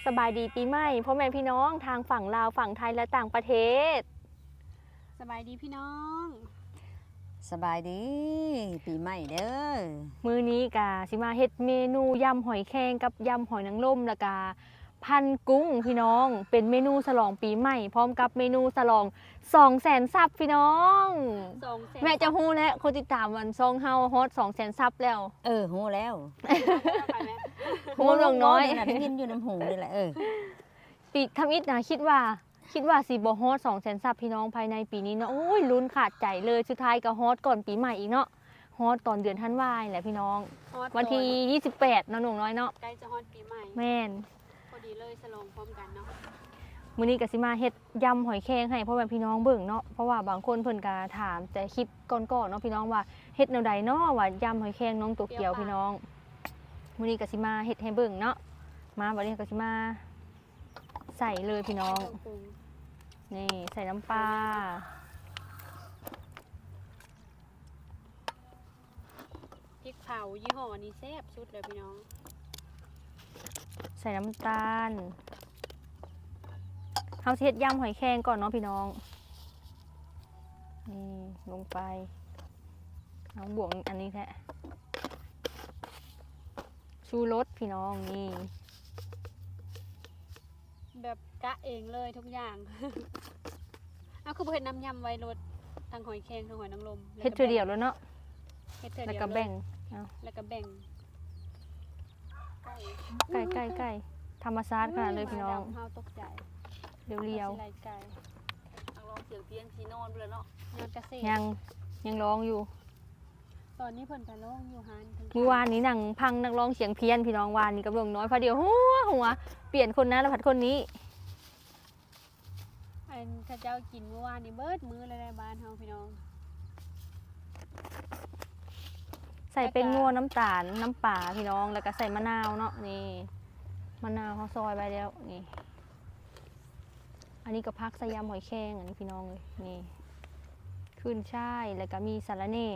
สบายดีปีใหม่พ่อแม่พี่น้องทางฝั่งลาวฝั่งไทยและต่างประเทศสบายดีพี่น้องสบายดีปีใหม่เด้อมื้อนี้กะสิมาเฮ็ดเมนูยำหอยแครงกับยำหอยนางรมแล้วก็พันกุ้งพี่น้องเป็นเมนูฉลองปีใหม่พร้อมกับเมนูฉลอง200,000 ซับพี่น้องแม่จะฮู้แล้วคนติดตามวันซองเฮาฮอต200,000 ซับแล้วฮู้แล้วฮู้ลงน้อยน่ะได้ยินอยู่น้ำหูนี่แหละปีทำอิดนะคิดว่าสิบ่ฮอต200,000 ซับพี่น้องภายในปีนี้เนาะโอ้ยลุ้นขาดใจเลยสุดท้ายก็ฮอตก่อนปีใหม่อีกเนาะฮอตตอนเดือนธันวาคมแหละพี่น้องวันที่28เนาะหนุ่มน้อยเนาะใกล้จะฮอตปีใหม่แม่นพอดีเลยฉลองพร้อมกันเนาะมื้อนี้ก็สิมาเฮ็ดยำหอยแครงให้พ่อแม่พี่น้องเบิ่งเนาะเพราะว่าบางคนเพิ่นก็ถามแต่คลิปก่อนๆเนาะพี่น้องว่าเฮ็ดแนวใดเนาะว่ายำหอยแครงน้องตัวเกียวพี่น้องมื้อนี้ก็สิมาเฮ็ดให้เบิ่งเนาะมาบัดนี้ก็สิมาใส่เลยพี่น้องนี่ใส่น้ำปลาพริกเผายี่ห้อนี้แซ่บสุดเลยพี่น้องใส่น้ำตาลเฮาสิเฮ็ดยำหอยแครงก่อนเนาะพี่น้องนี่ลงไปเอาบวกอันนี้แท้ชูรสพี่น้องนี่แบบกะเองเลยทุกอย่าง เอาคือเห็ดน้ำยำไว้รสทั้งหอยแครงทั้งหอยนางรมเฮ็ดเทื่อเดียวแล้วเนาะเฮ็ดเทื่อเดียวแล้วก็แบ่งแล้วก็แบ่งไก่ธรรมชาติขนาดเลยพี่น้องเฮาตกใจเรียวๆไก่นักร้องเสียงเพียงสีนอนเลยเนาะยอดเกษตรยังร้องอยู่ตอนนี้เพิ่นไปร้องอยู่ฮานเมื่อวานนี้หนังพังนักร้องเสียงเพี้ยนพี่น้องวานนี้กับหลวงน้อยพอเดียวหัวเปลี่ยนคนนั้นแล้วผัดคนนี้อันข้าเจ้ากินเมื่อวานนี้เบิดมื้อเลยในบ้านเฮาพี่น้องใส่เป็นงัวน้ำตาลน้ำป่าพี่น้องแล้วก็ใส่มะนาวเนาะนี่มะนาวเขาซอยไปแล้วนี่อันนี้ก็พักใส่ยำหอยแครงอันนี้พี่น้องเลยนี่ขึ้นช่ายแล้วก็มีสาระเน่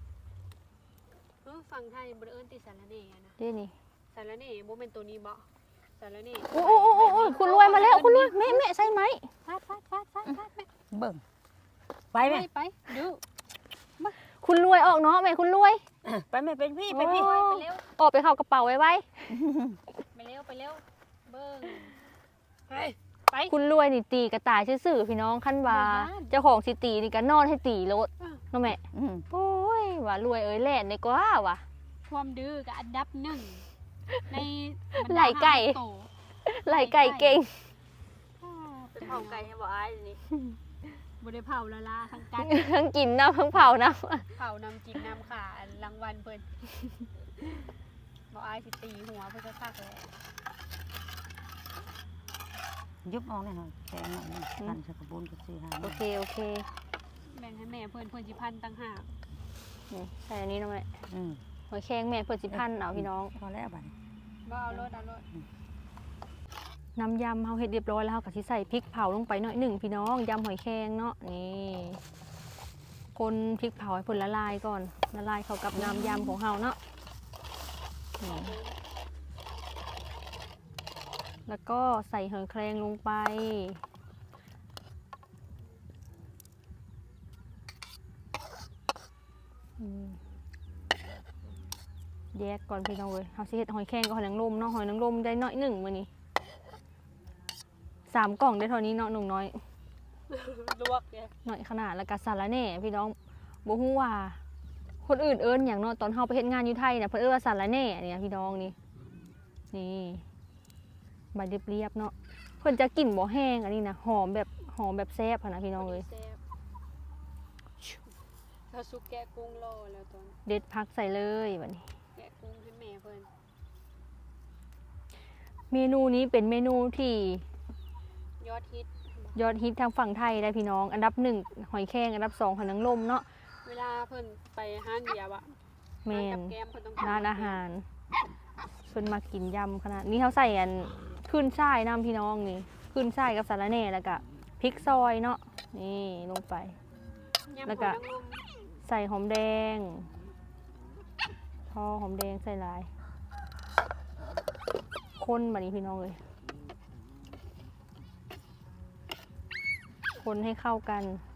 ฝั่งไทยบ่ได้เอิ้นติสาระเน่นะนี่สาระเน่บ่แม่นตัวนี้บ่สาระเน่โอ้คุณรวยมาแล้วคุณรวยแม่ใช่ไหมฟาดแม่เบิ่งไปแม่ไปดูคุณรวยออกเนาะแม่คุณรวยไปแม่เป็นพี่ไปพี่ไปเร็วออกไปเข้ากระเป๋าไว้ไปเร็วเบิ่งไปคุณรวยนี่ตีกระต่ายซื่อๆพี่น้องขั้นว่าเจ้าของสิตีนี่ก็นอนให้ตีรถเนาะแม่โอ้ยว่ารวยเอ้ยแล่นในกว่าว่ะความดื้อกับอันดับ1ในไหลไก่เก่งเป็นเผาไก่ให้บ่อายนี่บ่ได้เผาละลาทั้งกันทั้งกินน้ำทั้งเผาน้ำเผาน้ำกินน้ำขารางวัลเพิ่นบ่อายสิตีหัวเพิ่นคักเลยยุบออกแน่นอนแข็งหน่อยพันสกปรกก็สิหาโอเคแบ่งให้แม่เพิ่นสิพันต่างหากนี่ใส่อันนี้นะแม่หอยแครงแม่เพิ่นสิพันเอาพี่น้องพอแล้วบัดบ่เอารถน้ำยำเฮาเฮ็ดเรียบร้อยแล้วเฮาก็สิใส่พริกเผาลงไปหน่อยหนึ่งพี่น้องยำหอยแครงเนาะนี่คนพริกเผาให้เพิ่นละลายก่อนละลายเข้ากับน้ำยำของเฮาเนาะแล้วก็ใส่หอยแครงลงไปแยกก่อนพี่น้องเลยเฮาสิเฮ็ดหอยแครงกับหอยนางรมเนาะหอยนางรมได้น้อยหนึ่งมื้อนี้3 กล่องได้เท่านี้เนาะหนุ่มน้อยลวกหน่อยขนาดแล้วก็สาระแหน่พี่น้องบ่ฮู้ว่าคนอื่นเอิ้นหยังเนาะตอนเฮาไปเฮ็ดงานอยู่ไทยน่ะเพิ่นเอิ้นว่าสาระแหน่เนี่ยพี่น้องนี่ใบเรียบๆเนาะเพิ่นจะกลิ่นบ่แห้งอันนี้นะหอมแบบแซ่บนะพี่น้องเอ้ยถ้าซุปแกะกุ้งรอแล้วตอนเด็ดพักใส่เลยบัดนี้แกะกุ้งให้แม่เพิ่นเมนูนี้เป็นเมนูที่ยอดฮิตทางฝั่งไทยได้พี่น้องอันดับ1หอยแครงอันดับ2หอยนางรมเนาะเวลาเพิ่นไปห้านเบียร์อะแม่นร้านอาหารเพิ่นมากินยำขนาดนี้เขาใส่อันขึ้นช่ายน้ำพี่น้องนี่ขึ้นช่ายกับสาระแหน่แล้วก็พริกซอยเนาะนี่ลงไปแล้วก็ใส่หอมแดงพอหอมแดงใส่ลายคนแบบนี้พี่น้องเลยคนให้เข้ากัน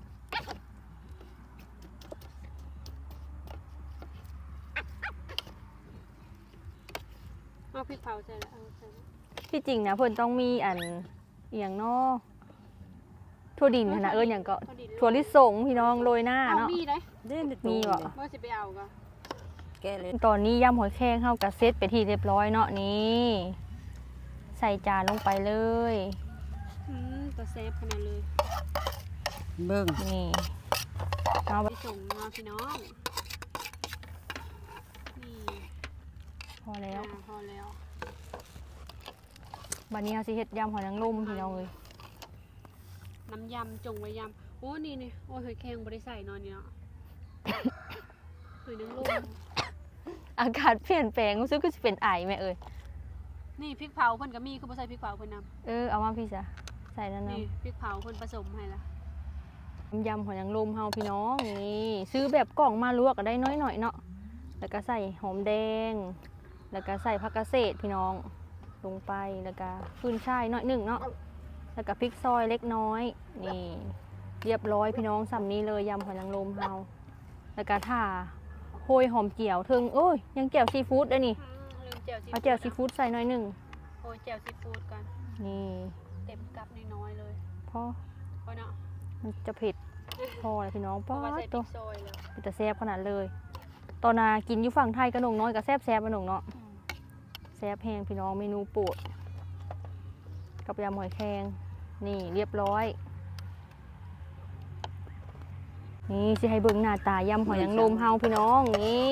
เอาพริกเผาใส่แล้วเอาใส่แล้วที่จริงนะเพิ่นต้องมีอันอหย่างเนอถั่วดินหั่นนะอย่างก็ถั่วลิสงพี่น้องโรยหน้าเอาเนาะมีได้เด่นมีบ่ว่าสิไปเอาก็แกเลยตอนนี้ยำหอยแครงเข้ากับเซตไปที่เรียบร้อยเนาะนี่ใส่จานลงไปเลยตัวเซฟขนาดเลยเบิ่งนี่เอาไปส่งมาพี่น้องนี่พอแล้วพอแล้วบัดนี้เราสิเฮ็ดยำหอยนางรมพี่น้องเลยน้ำยำจงไว้ยำโอ้นี่โอ้ยหอยแครงบริใส่นอนนี่เนาะ หอยนางรมอากาศเปลี่ยนแปลงรู้สึกก็จะเป็นไอแม่เอ้ยนี่พริกเผาเพิ่นก็มีคือบ่ใส่พริกเผาเพิ่นนเอามาพี่จ้ะใส่แล้วำนะนี่พริกเผาเพิ่นผสมให้ละยำหอยนางรมเฮาพี่น้องนี่ซื้อแบบกล่องมาลวกก็ได้น้อยหน่อยเนาะแล้วก็ใส่หอมแดง แล้วก็ใส่ผักกาดเศษพี่น้องลงไปแล้วก็ขึ้นช่ายน้อยหนึ่งเนาะแล้วก็พริกซอยเล็กน้อยนี่เรียบร้อยพี่น้องสำนี้เลยยำหอยนางรมเฮาแล้วก็ถ่าโหยหอมเจียวถึงโอ้ยยังแจ่วซีฟู้ดด้วยนี่ลืมแจ่วซีเอาแจ่วซีฟู้ดใส่น้อยหนึ่งโอ้ยแจ่วซีฟู้ดกันนี่เต็มกับน้อยๆเลยพอเพราะเนาะมันจะเผ็ดพอเลยพี่น้องเพป้าราะว่าใส่พตัริวกซอยแล้วเป็นแต่แซ่บขนาดเลย ตอนนากินอยู่ฝั่งไทยกระหนงน้อยกับแซ่บแซ่บกระหนงเนาะแซ่บแห้งพี่น้องเมนูโปรดกับยำหอยแครงนี่เรียบร้อย นี่สิให้เบิ่งหน้าตายำหอยนางรมเฮาพี่น้องนี่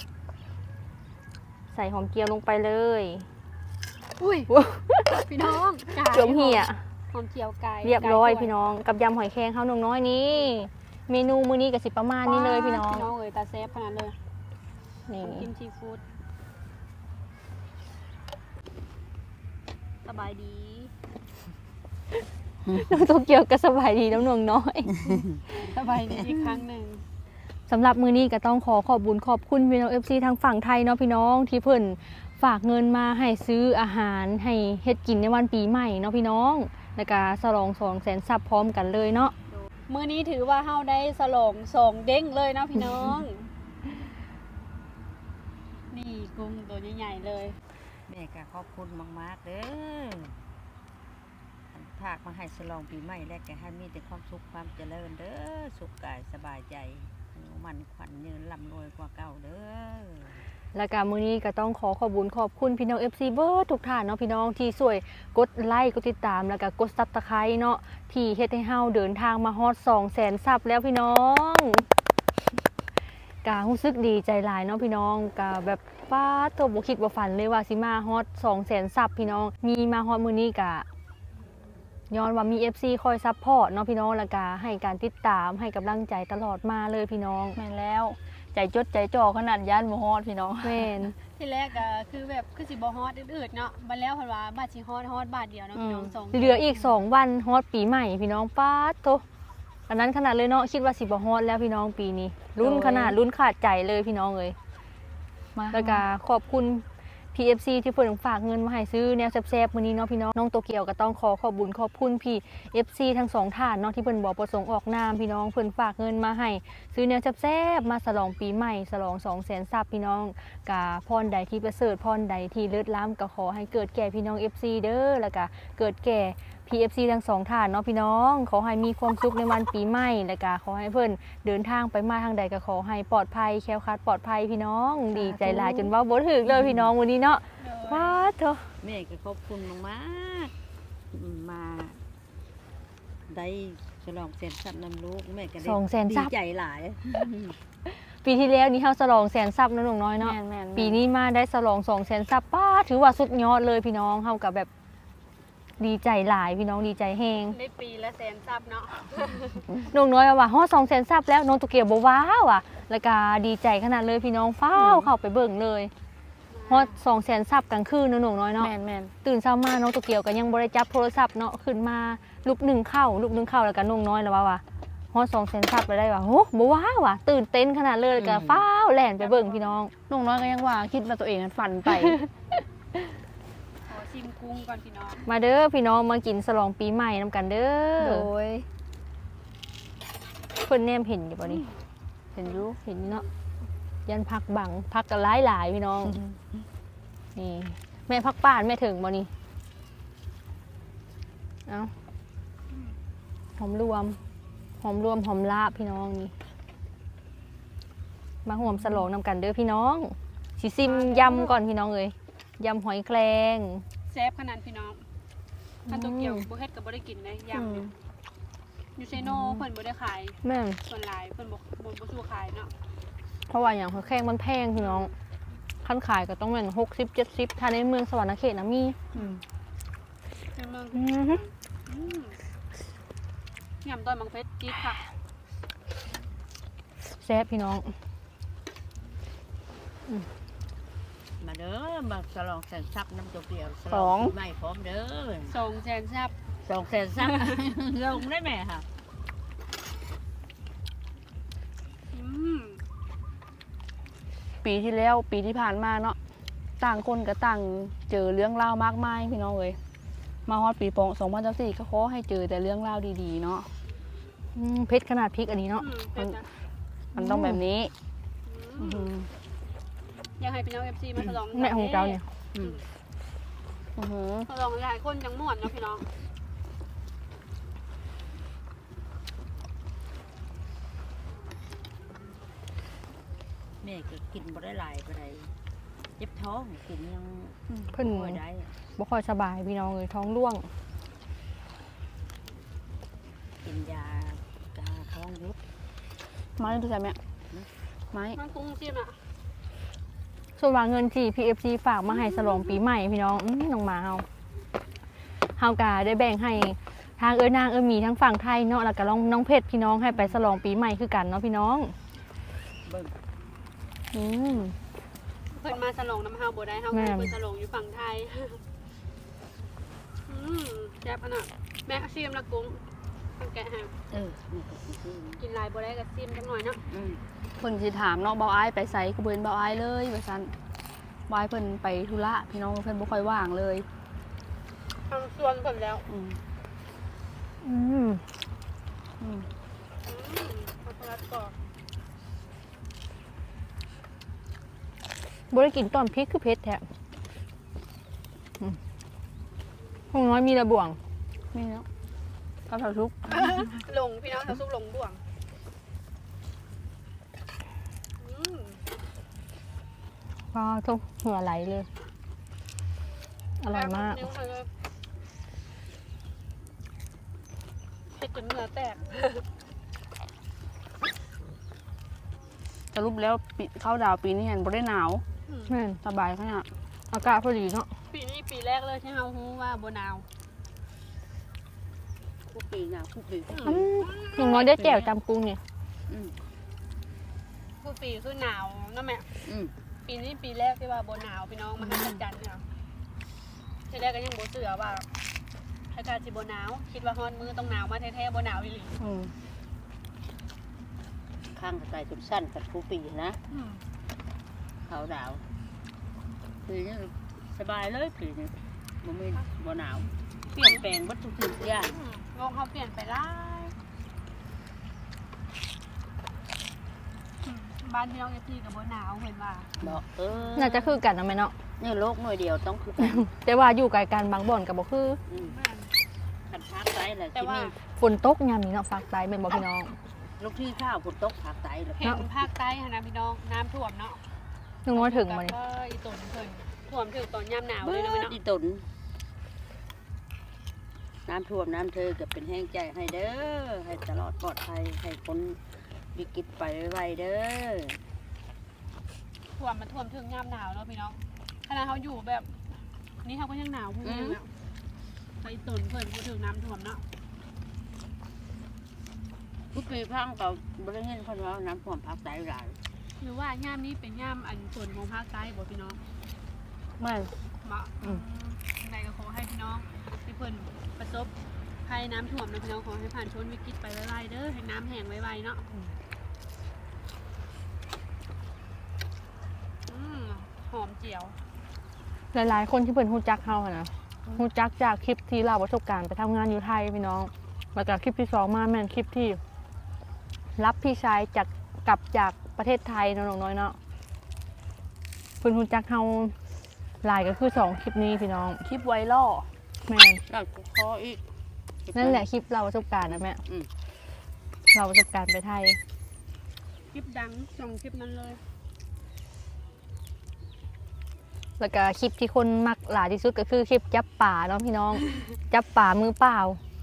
ใส่หอมเจียวลงไปเลยอุ้ยพี่น้องไก่เจียวเหี่ยหอมเจียวไก่เรียบร้อยไก่พี่น้องกับยำหอยแครงเฮาหนงน้อยนี่เมนูมื้อนี้ก็สิประมาณนี้เลยพี่น้องพี่น้องเอ้ยตาเซฟขนาดเลยนี่น้ำจิ้มซีฟู้ดสบายดีน้องโตเกียวก็สบายดีน้ำหนวงน้อยสบายดีอีกครั้งหนึ่งสำหรับมื้อนี้ก็ต้องขอบบุญขอบคุณพี่น้อง FC ทางฝั่งไทยเนาะพี่น้องที่เพิ่นฝากเงินมาให้ซื้ออาหารให้เฮ็ดกินในวันปีใหม่เนาะพี่น้องแล้วก็ฉลอง200,000 ซับพร้อมกันเลยเนาะมื้อนี้ถือว่าเฮาได้สลอง2เด้งเลยเนาะพี่น้อง นี่กุ้งตัวใหญ่ๆเลยแม่ก็ขอบคุณมากๆเด้ออันภาคมาให้ฉลองปีใหม่และก็ให้มีแต่ความสุขความเจริญเด้อสุขกายสบายใจอายุมันขวัญยืนร่ำรวยกว่าเก่าเด้อแล้วก็มื้อนี้ก็ต้องขอบบุญขอบคุณพี่น้อง FC เบิร์ดทุกท่านเนาะพี่น้องที่ช่วยกดไลค์กดติดตามแล้วก็กด Subscribe เนาะที่เฮ็ดให้เฮาเดินทางมาฮอด200,000 ซับแล้วพี่น้องการู้สึกดีใจหลายเนาะพี่น้องกาแบบฟ้าโตบ่คิดบ่ฝันเลยว่าสิมาฮอด200,000 ซับพี่น้องมีมาฮอดมื้อนี้ก็ย้อนว่ามี FC คอยซัพพอร์ตเนาะพี่น้องแล้วก็ให้การติดตามให้กำลังใจตลอดมาเลยพี่น้องแม่นแล้วใจจดใจจ่อขนาดย่านบ่ฮอดพี่น้องแม่นที่แรกก็คือแบบคือสิบ่ฮอดอืดๆเนาะบัดแล้วเพิ่นว่าบาทสิฮอดบาทเดียวเนาะพี่น้องสองเหลืออีก2 วันฮอดปีใหม่พี่น้องป๊าดโตอันนั้นขนาดเลยเนาะคิดว่าสิบ่ฮอดแล้วพี่น้องปีนี้ลุ้นขนาดลุ้นขาดใจเลยพี่น้องเอ้ยมาแล้วก็ขอบคุณ PFC ที่เพิ่นฝากเงินมาให้ซื้อแนวแซ่บๆมื้อนี้เนาะพี่น้องน้องโตเกียวก็ต้องขอบบุญขอบคุณพี่ FC ทั้งสองท่านเนาะที่เพิ่นบ่ประสงค์ออกนามพี่น้องเพิ่นฝากเงินมาให้ซื้อแนวแซ่บๆมาฉลองปีใหม่ฉลอง200,000 ซับพี่น้องกาพรใดที่ประเสริฐพรใดที่เลิศล้ำก็ขอให้เกิดแก่พี่น้อง FC เด้อแล้วก็เกิดแก่ PFC ทั้งสองท่านเนาะพี่น้องขอให้มีความสุขในวันปีใหม่แล้วก็ขอให้เพิ่นเดินทางไปมาทางใดก็ขอให้ปลอดภัยแคล้วคลาดปลอดภัยพี่น้องดีใจหลายจนเว้าบ่ถึกเลยพี่น้องวันนี้เนาะว้าเถอะแม่ก็ขอบคุณมากๆมาได้ฉลองเสร็จสับนำลูกแม่ก็ได้ 200,000 ดีซับใจหลายปีที่แล้วนี่เฮาฉลอง100,000 ซับเนาะหนุ่มน้อยเนาะแม่นๆปีนี้มาได้ฉลอง200,000 ซับป้าถือว่าสุดยอดเลยพี่น้องเฮากับแบบดีใจหลายพี่น้องดีใจแฮงได้ปีละแสนซับเนาะน้องน้อยว่าฮอด200,000 ซับแล้วน้องตุเกียวบ่ว้าวอ่ะแล้วก็ดีใจขนาดเลยพี่น้องฟ้าวเข้าไปเบิ่งเลยฮอด200,000 ซับกลางคืนเนาะน้องน้อยเนาะแม่นแม่นตื่นเช้ามาน้องตุเกียวก็ยังบ่ได้จับโทรศัพท์เนาะขึ้นมาลุกหนึ่งเข้าแล้วก็น้องน้อยแล้วว่าฮอด200,000 ซับไปได้ว่าโหบ่ว้าวอ่ะตื่นเต้นขนาดเลยแล้วก็ฟ้าวแล่นไปเบิ่งพี่น้องน้องน้อยก็ยังว่าคิดว่าตัวเองนั้นฝันไปขอชิมกุ้งก่อนพี่น้องมาเด้อพี่น้องมากินฉลองปีใหม่นำกันเด้อโดยเพิ่นแนมเห็นอยู่บ่นี่เห็นอยู่เห็นเนาะยันพักบังพักกันหลายๆพี่น้องนี่แม่พักป้านแม่ถึงบ่นี่เอาหอมรวมหอมลาบพี่น้องนี่มาห่วมสลองนำกันเด้อพี่น้องสิซิมยำก่อนพี่น้องเอ้ยยำหอยแครงแซ่บขนาดพี่น้องถ้าโตเกียวบ่เฮ็ดก็บ่ได้กินได้ยำเนี่ยอยู่ไซโนเพิ่นบ่ได้ขายแม่นส่วนหลายเพิ่นบ่สู้ขายเนาะเพราะว่าอย่างหอยแครงมันแพงพี่น้องขั้นขายก็ต้องเป็น60-70ถ้าในเมืองสวรรณเขตนะมีในเมืองอือฮึยำต้นมังเพชรจี๊ดค่ะแซ่บพี่น้องมาเด้อมาฉลองแสนทรัพย์น้ำโตเกียวฉลสออง งปีใหม่พร้อมเด้อ 2แสนซับ 2 แสนทรัพย์ ลงได้ไหมค่ะอืมปีที่แล้วปีที่ผ่านมาเนาะต่างคนก็ต่างเจอเรื่องราวมากมายพี่น้องเอ้ยมาฮอดปีปอง2024ก็ขอให้เจอแต่เรื่องราวดีๆเนาะเพชรขนาดพริกอันนี้เนาะเป็นนะมันต้องแบบนี้อืมอื้อหืออยากให้พี่น้อง FC มาฉลองแม่ของเจ้าเนี่ยอื้อหือฉลองหลายคนจังม่วนเนาะพี่น้องแม่ก็กินบ่ได้หลายปานใดเจ็บท้องกินยังเพิ่นบ่ได้บ่ค่อยสบายพี่น้องเลยท้องร่วงกินยากาท้องยุบไม้ดูใช่ไหมไม้มันกุ้งจิ้มอ่ะส่วนว่าเงินที่ PFC ฝากมาให้ฉลองปีใหม่พี่น้องน้องหมาเฮากะได้แบ่งให้ทางนางมีทั้งฝั่งไทยเนาะแล้วก็น้องเพชรพี่น้องให้ไปฉลองปีใหม่คือกันเนาะพี่น้องเบิ่งอืมเพิ่นมาฉลองน้ำเฮาบ่ได้เฮาแม่เพิ่นฉลองอยู่ฝั่งไทย แซ่บขนาดแม่ชิมละกุ้งต้องแกะให้นี่ก็คือกินหลายบ่ได้ก็ชิมจังหน่อยเนาะเพิ่นสิถามเนาะเบาอ้ายไปไสก็บ่เห็นเบาอ้ายเลยว่าซั่นเบาอ้ายเพิ่นไปธุระพี่น้องเพิ่นบ่ค่อยว่างเลยทางส่วนเพิ่นแล้วอืมอืมอืมช็อกโกแลตกรอบบ่ได้กินตอนพริกคือเพชรแท้ห้องน้อยมีระบ่วงนี่เนาะกับเผาทุกหลงพี่น้องเขาซุปหลงบ่วงอืมก็ทุกหัวไหลเลย อร่อยมากนิ้วเลยเผ็ดจนเหงื่อแตกสรุปแล้วปีเข้าดาวปีนี้เห็นบ่ได้หนาวแม่นสบายขนาดอากาศพอดีเนาะปีนี้ปีแรกเลยที่เราฮู้ว่าบ่หนาวคู่ปีหน้าคู่ปีน้องน้อยได้แจ่วจำกุ้งเนี่ยผู้ปีคือหนาวนั่นแหละอืมปีนี้ปีแรกที่ว่าบ่หนาวพี่น้องมาหัศจรรย์เนี่ยทีแรกก็ยังบ่เชื่อว่าอากาศสิบ่หนาวคิดว่าฮ้อนมือต้องหนาวมาแท้ๆบ่หนาวอีหลีอืมข้างกระต่ายจนสั้นกับคู่ปีนะอืมเขาดาวปีนี้สบายเลยปีนี้บ่มีบ่หนาวเปลี่ยนแปลงวัตถุดิบอย่างโลกเขาเปลี่ยนไปหลายบ้านพี่น้องที่กับบ่หนาวเห็นว่าบอกน่าจะคือกันนะแม่เนาะนี่โลกหน่วยเดียวต้องคือกันแต่ว่าอยู่ไกลกันบางบ่อนกับบ่คืออืมแม่นขันพักไตแหละแต่ที่ว่านี่ฝนตกยามนี้เนาะฝากตายเป็นบ่พี่น้องลูกที่ข้าวฝนตกผักไตเลยเห็นภาคใต้ค่ะนะพี่น้องน้ำท่วมเนาะน้องน้อยถึงมานี่นี่ก็อีตุนเพิ่นท่วมถึงตอนยามหนาวเลยนะพี่น้องอีตุนน้ำท่วมน้ำเธอก็เป็นแห้งใจให้เด้อให้ตลอดปลอดภัยให้คนวิกฤตไปไวๆเด้อท่วมมันท่วมถึงยามหนาวแล้วพี่น้องขณะเขาอยู่แบบนี่เขาก็ยังหนาวพูดยังแล้วไปอีตุนเพิ่นพูดถึงน้ำท่วมเนาะทุกปีพังก็บริเวณคนว่าน้ำท่วมภาคใต้หลายหรือว่ายามนี้เป็นยามอันส่วนของภาคใต้บ่พี่น้องไม่เหมาะในก็ขอให้พี่น้องที่เพิ่นประสบภัยน้ำท่วมนะพี่น้องขอให้ผ่านพ้นวิกฤตไปไวๆเด้อให้น้ำแห้งไวๆเนาะหอมเจียวหลายๆคนที่เพิ่นฮู้จักเฮาอะนะฮู้จักจากคลิปที่เราประสบการณ์ไปทำงานอยู่ไทยพี่น้องแล้วก็คลิปที่สองมาแม่นคลิปที่รับพี่ชายจากกลับจากประเทศไทยเนาะน้องน้อยเนาะเพิ่นรู้จักเฮาหลายก็คือ2คลิปนี้พี่น้องคลิปไวรัลแม่นแล้วก็ขออีกนั่นแหละคลิปเราประสบการณ์นะแม่อืมเราประสบการณ์ไปไทยคลิปดังส่งคลิปนั้นเลยแล้วก็คลิปที่คนมักหลายที่สุดก็คือคลิปจับป่าเนาะพี่น้อง จับป่ามือเปล่า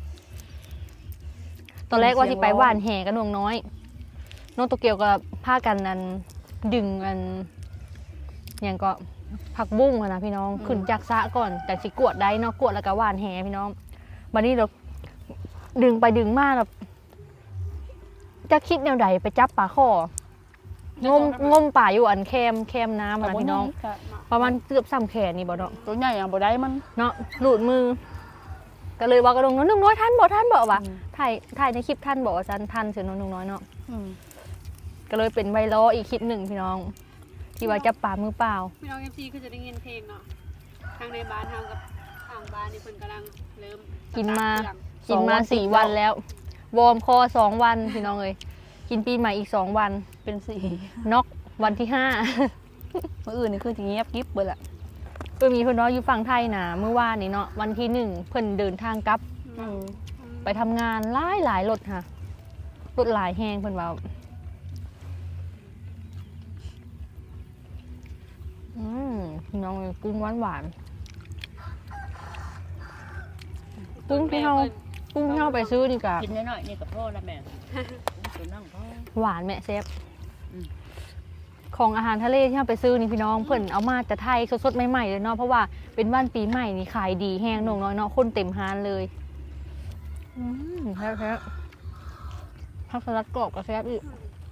ตอนแรกว่าที่ไปหว่านแห่กันน้องน้อยน้องโตเกียวก็พากันนั้นดึงอันอย่างก็ผักบุ้งอะนะพี่น้องขึ้นจากสระก่อนจากสิกวดได้เนาะกวดแล้วก็หว่านแห่พี่น้องวันนี้เราดึงไปดึงมาแบบจะคิดแนวใดไปจับปลาข้องมป่าอยู่อันแคมน้ำอะนะพี่น้อง ประมาณเกือบ3 แขนนี่บ่เนาะตัวใหญ่ยังบ่ได้มันเนาะหลุดมือ ก็เลยว่ากระดงน้องน้อยท่านบอกว่าอืมถ่ายในคลิปท่านบอกว่าจันท่านเสือน้องน้อยเนาะอืมก็เลยเป็นไวรัลอีกคลิปหนึ่งพี่น้อง ที่ว่าจับปลามือเปล่าพี่น้อง FC คือจะได้ยินเพลงเนาะทางในบ้านเฮากับทางบ้านนี่เพิ่นกำลังเริ่มกินมาสตร์ทเครื่องกินมา4 วันแล้ว วอร์มคอ2 วันพี่น้องเลยกินปีใหม่อีก2 วันเป็นสีน็อกวันที่มื้ออื่นนี่คือสิเงียบกิ๊บเบิดละ 5 ก็มีเพื่อนน้อยอยู่ฝั่งไทยนะเมื่อวานนี้เนาะวันที่1เพิ่นเดินทางกลับอืมไปทำงานหลายรถค่ะรถหลายแห้งเพิ่นว่าพี่น้องเลยกุ้งหวานๆกุ้งที่เราไปซื้อนี่กะกินน้อยๆนี่กับพ่อละแม่ตัวนั่งพ่อหวานแม่เซฟอืมของอาหารทะเลที่เราไปซื้อนี่พี่น้องเพิ่นเอามาจากไทยสดๆใหม่ๆเลยเนาะเพราะว่าเป็นวันปีใหม่นี่ขายดีแห้งหน่องน้อยเนาะคนเต็มฮานเลยแท้ๆผักสลัดกรอบกับแซ่บอีก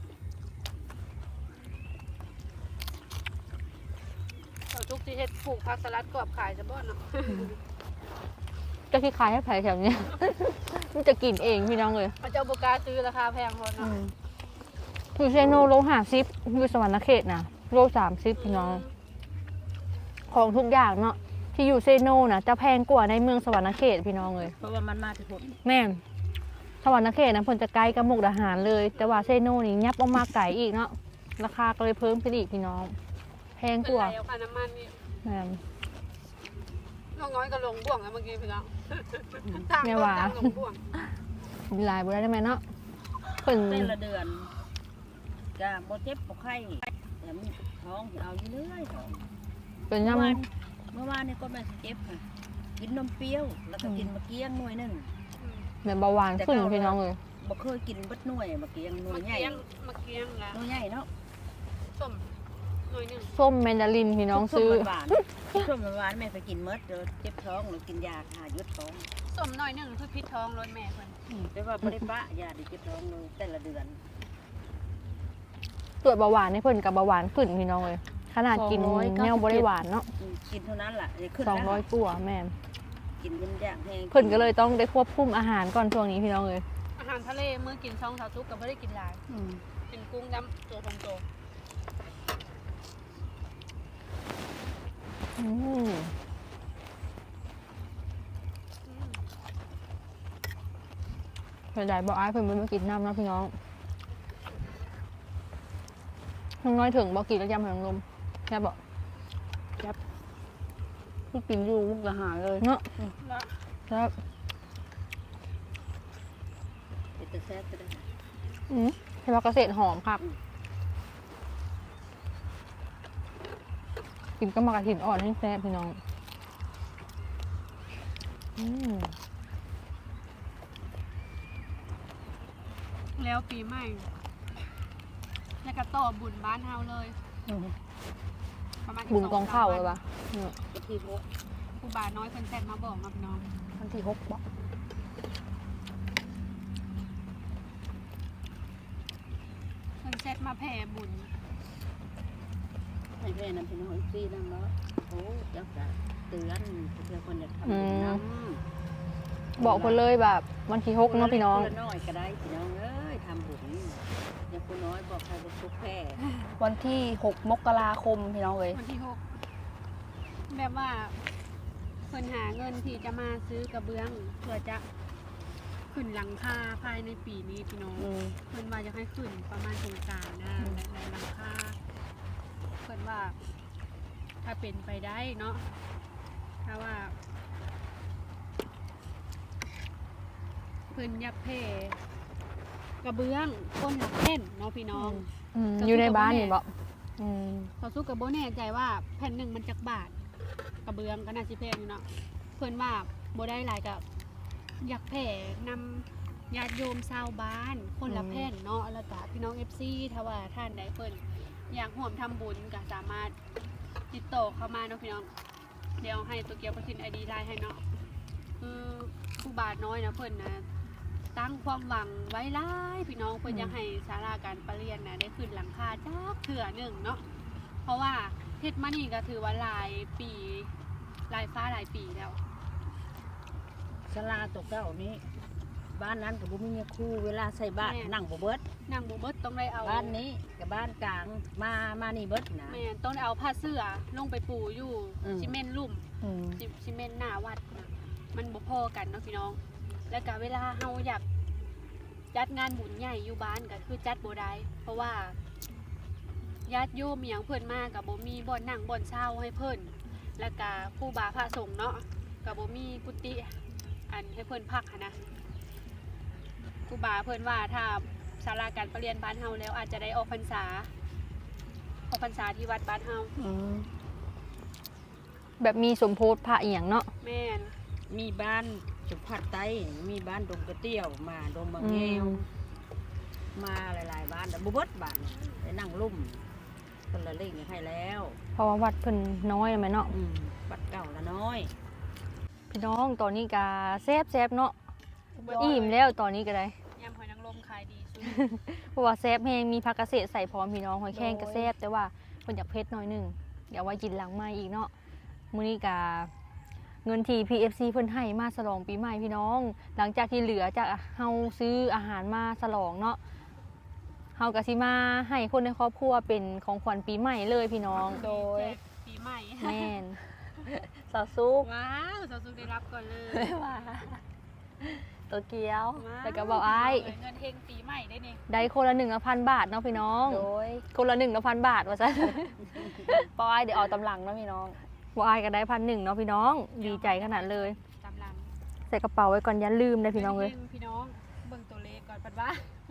เจ้าทุกที่เฮ็ดปลูกผักสลัดกรอบขายจะบ่เนาะจะที่ขายให้แผลแถวเนี้ย มันจะกินเองพี่น้องเลยมันจะเอาบ่กล้าซื้อราคาแพงพออืเนาะมอยู่เซโนโล50อยู่สวรรณเขตนะโล30พี่น้อง ของทุกอย่างเนาะที่อยู่เซโนนะจะแพงกว่าในเมืองสวรรณเขตพี่น้องเลยเพราะว่ามันมาที่ผมแม่นสวรรณเขตนะเพิ่นจะใกล้กับมุกดาหารเลย แต่ว่าเซโนนี่ยับออกมาไกลอีกเนาะราคาก็เลยเพิ่มขึ้นอีกพี่น้อง แพงเป็นกว่าไรเอาค่าน้ำมันนี่แม่นน้องน้อยก็ลงบ่วงแล้วเมื่อกี้พี่น้องทางแม่ต้นว่าทางลงบ่วงมีลายบ่ได้ไหมเนาะเพิ่นแต่ละเดือนก็บ่เจ็บบ่ไข้แต่มันท้องสิเอาอยู่เรื่อยท้องเป็นเมื่ยำอวานนี่ก็แม่สิเจ็บค่ะกินนมเปรี้ยวแล้วก็กินมะเกียงหน่วยหนึงแบบเบาหวานขึ้นพี่น้องเลยบ่เคยกินเบัดหน่วยมะเกียงหน่วมายใหญ่เกียงมาเกียงละหน่วยใหญ่เนาะส้มหน่อยหนึงส้มแมนดารินพี่น้องซื้อหวานๆส้มหวานๆแม่ไปกินเมดเดี๋ยวเจ็บท้องหรือกินยาหายุดท้องส้มหน่อยหนึงคือพิษท้องรถแม่เพิ่นแต่ว่าบ่ได้ปะยาดิเจ็บท้องเลยแต่ละเดือนตรวจเบาหวานให้เพิ่นกับเบาหวานขึ้นพี่น้องเลยขนาดกินแนวบ่ได้หวานเนาะกินเท่านั้นล่ะอย่าขึ้นนะ 200กว่าแม่นกินเป็นอย่างแห้งเพิ่นก็เลยต้องได้ควบคุมอาหารก่อนช่วงนี้พี่น้องเลยอาหารทะเลมื้อกิน2 เท่าทุกก็บ่ได้กินหลายอืมกินกุ้งดำตัวโตอืมเพิ่นได้บอกอ้ายเพิ่นบ่มากินน้ำเนาะพี่น้องน้องน้อยถึงบอกกินแล้วยำหางลมแค่บอกที่กินอยู่มุกดาหารเลยเนาะๆแล้วครับเป็นตะแซ่บก็ได้ใช่ว่าเกษตรหอมครับ กินก็มากระถินอ่อนให้แซ่บพี่น้องอืมแล้วปีใหม่แล้วก็ต่อบุญบ้านเฮาเลยอืมประมาณบุญกองข้าวเลยปะเนี่ยก็ที่พวกครูบาน้อยเพิ่นแซดมาบอกมาพี่น้องวันที่6บอกเพิ่นแซดมาแผ่บุญให้แม่นำเป็นหอยซีนั่นเนาะโอ้ยักษ์จะเตือนเพื่อคนอยากทำบุญนำบอกคนเลยแบบวันที่6เนาะพี่น้องคนละน้อยก็ได้พี่น้องเอ้ยทำบุญอย่าผู้น้อยบอกใครบ่ทุกข์แพ้วันที่6 มกราคมพี่น้องเลยวันที่6แบบว่าเพิ่นหาเงินที่จะมาซื้อกระเบื้องเพื่อจะขึ้นหลังคาภายในปีนี้พี่น้อง เพิ่นว่าจะให้ขึ้นประมาณสงกรานต์นะในหลังคาเพิ่นว่าถ้าเป็นไปได้เนาะถ้าว่าเพิ่นอยากแผ่กระเบื้องก้นหลักแผ่นเนาะพี่น้องอยู่ในบ้านนี่บ่เขาสู้กับโบแน่ใจว่าแผ่นหนึ่งมันจักบาทกระเบื้องก็น่าสิแพงอยู่เนาะเพิ่นว่าโบได้หลายกับอยากแผ่นำญาติโยมชาวบ้านคนละแผ่นเนาะแล้วก็พี่น้อง FC ถ้าว่าท่านใดเพิ่นอยากร่วมทำบุญก็สามารถติดต่อเข้ามาเนาะพี่น้องเดี๋ยวให้ตัวเกียวไปขึ้น ID ไลน์ให้เนาะคือผู้บาทน้อยนะเพิ่นนะตั้งความหวังไว้หลายพี่น้องเพิ่นอยากให้ศาลาการประเรียนนะได้ขึ้นหลังคาจักเทื่อหนึงเนาะเพราะว่าเฮ็ดมานี่ก็ถือว่าหลายปีหลายฟ้าหลายปีแล้วศาลาตกเก้านี้บ้านนั้นกับบุ้มีครูเวลาใส่บ้านนั่งบ่เบิดนั่งบ่เบิดต้องได้เอาบ้านนี้กับบ้านกลางมานี่เบิดนะแม่นต้องได้เอาผ้าเสื้อลงไปปูอยู่ ซีเมนต์ลุ่มอืมซีเมนต์หน้าวัดนะมันบ่พอกันเนาะพี่น้อง แล้วก็เวลาเฮาอยากจัดงานบุญใหญ่อยู่บ้านก็คือจัดบ่ได้เพราะว่าญาติโยมอหย่างเพิ่นมาก็บ่มีบ่อนนั่งบ่อนเช่าให้เพิ่นแล้วก็ครูบาพระสงฆ์เนาะก็บ่มีกุฏิอันให้เพิ่นพักหั้นนะครูบาเพิ่นว่าถ้าศาลาการประเรียนบ้านเฮาแล้วอาจจะได้ออกพรรษาที่วัดบ้านเฮาแบบมีสมโพธิพระอีหยังเนาะแม่นมีบ้านสุพัดไตมีบ้านดงกระเตี้ยวมาดงมะแงวมาหลายๆบ้านแต่บ่เบิดบ้านไปนั่งลุ่มคนละเล่งให้แล้วเพราะว่าวัดเพิ่นน้อยแม่เนาะบัดเก่าละน้อยพี่น้องตอนนี้ก็แซ่บๆเนาะอิ่มแล้วตอนนี้ก็ได้ยำหอยนางรมขายดีสุดเพราะว่าแซ่บแฮงมีผักเกษตรใส่พร้อมพี่น้องหอยแครงก็แซ่บแต่ว่าเพิ่นอยากเผ็ดหน่อยหนึงเดี๋ยวไว้กินหลังใหม่อีกเนาะมื้อนี้ก็เงินที่ PFC เพิ่นให้มาฉลองปีใหม่พี่น้อง หลังจากที่เหลือจากเฮาซื้ออาหารมาฉลองเนาะเฮาก็สิมาให้คนในครอบครัวเป็นของขวัญปีใหม่เลยพี่น้องโดยปีใหม่แม่นสาวซุกว้าวสาวสุขได้รับก่อนเลยว่าตัวเกียวว้าวแล้วก็บอกอ้ายเงินเฮงปีใหม่ได้นี่ได้คนละ1,000 บาทเนาะพี่น้องโดยคนละ1,000 บาทว่าซะปอยเดี๋ยวเอาตำหลังเนาะพี่น้องบอกอ้ายก็ได้1,000เนาะพี่น้องดีใจขนาดเลยตามหลังใส่กระเป๋าไว้ก่อนอย่าลืมนะพี่น้องเลยงินพี่น้องเบิ่งตัวเลขก่อนปัดว่า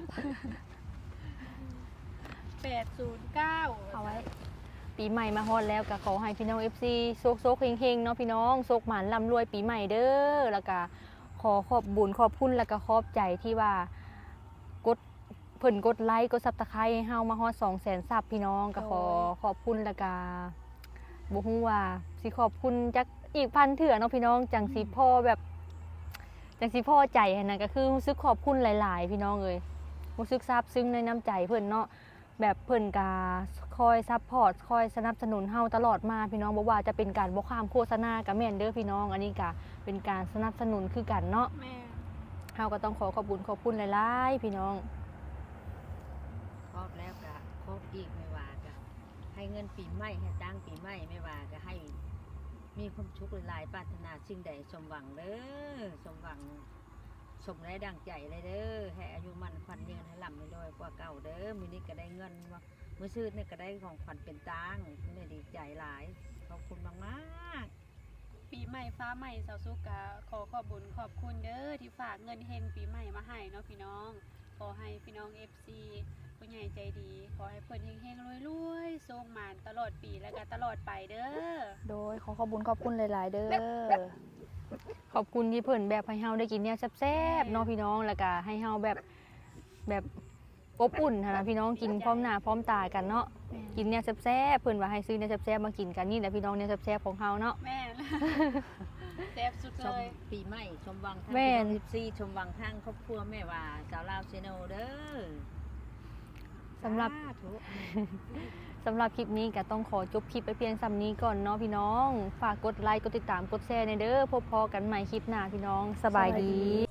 809 เอาไว้ ปีใหม่มาฮอดแล้วก็ขอให้พี่น้อง FC โซกเฮงๆเนาะพี่น้องโซกหมานร่ำรวยปีใหม่เด้อแล้วก็ขอขอบบุญขอบคุณแล้วก็ขอบใจที่ว่ากดเพิ่นกดไลค์กด Subscribe ให้เฮามาฮอด 200,000 ซับพี่น้องก็ขอขอบคุณแล้วก็บ่ฮู้ว่าสิขอบคุณจักอีกพันเถื่อเนาะพี่น้องจังสิพ่อแบบจังสิพ่อใจให้นั่นก็คือรู้สึกขอบคุณหลายๆพี่น้องเอ้ยรู้สึกซาบซึ้งในน้ำใจเพิ่นเนาะ แบบเพิ่นกาคอยซัพพอร์ตคอยสนับสนุนเฮาตลอดมาพี่น้องบ่ว่าจะเป็นการบ่ข้ามโฆษณากับแม่นเด้อพี่น้องอันนี้ก็เป็นการสนับสนุนคือกันเนาะแม่เฮาก็ต้องขอขอบคุณหลายๆพี่น้องครอบแล้วก็ครอบอีกไม่ว่าก็ให้เงินปีใหม่ให้จ้างปีใหม่ไม่ว่าก็ให้มีความสุขหลายๆปรารถนาสิ่งใดสมหวังเด้อสมหวังสมได้ดังใจเลยเด้อให้อายุมันขวัญยืนให้ลำให้รวยกว่าเก่าเด้อมื้อนี้ก็ได้เงินว่ามื้อซื้อนี่ก็ได้ของขวัญเป็นตังค์นี่ดีใจหลายขอบคุณมากๆปีใหม่ฟ้าใหม่สาวสุกกะขอขอบบุญขอบคุณเด้อที่ฝากเงินเฮงปีใหม่มาให้เนาะพี่น้องขอให้พี่น้อง FC ผู้ใหญ่ใจดีขอให้เพิ่นเฮงๆรวยๆส่งหมานตลอดปีแล้วก็ตลอดไปเด้อโดยขอขอบคุณหลายๆเด้อขอบคุณที่เพิ่นแบบให้เฮาได้กินเนี่ยแซ่บๆเนาะพี่น้องแล้วก็ให้เฮาแบบอบอุ่นหั้นนะพี่น้องกินพร้อมหน้าพร้อมตากันเนาะกินเนี่ยแซ่บๆเพิ่นว่าให้ซื้อเนี่ยแซ่บๆมากินกันนี่แหละพี่น้องเนี่ยแซ่บๆของเฮาเนาะแม่น แซ่บสุดชเลมยปีใหม่ชมวังทางแม่นซีชมวังทางครอบครัวแม่ว่าสาวลาวเซโนเด้อสำหรับสาธุสำหรับคลิปนี้ก็ต้องขอจบคลิปไปเพียงสำนี้ก่อนเนาะพี่น้อง ฝากกดไลค์กดติดตามกดแชร์ในเด้อพบพอกันใหม่คลิปหน้าพี่น้องสบายดี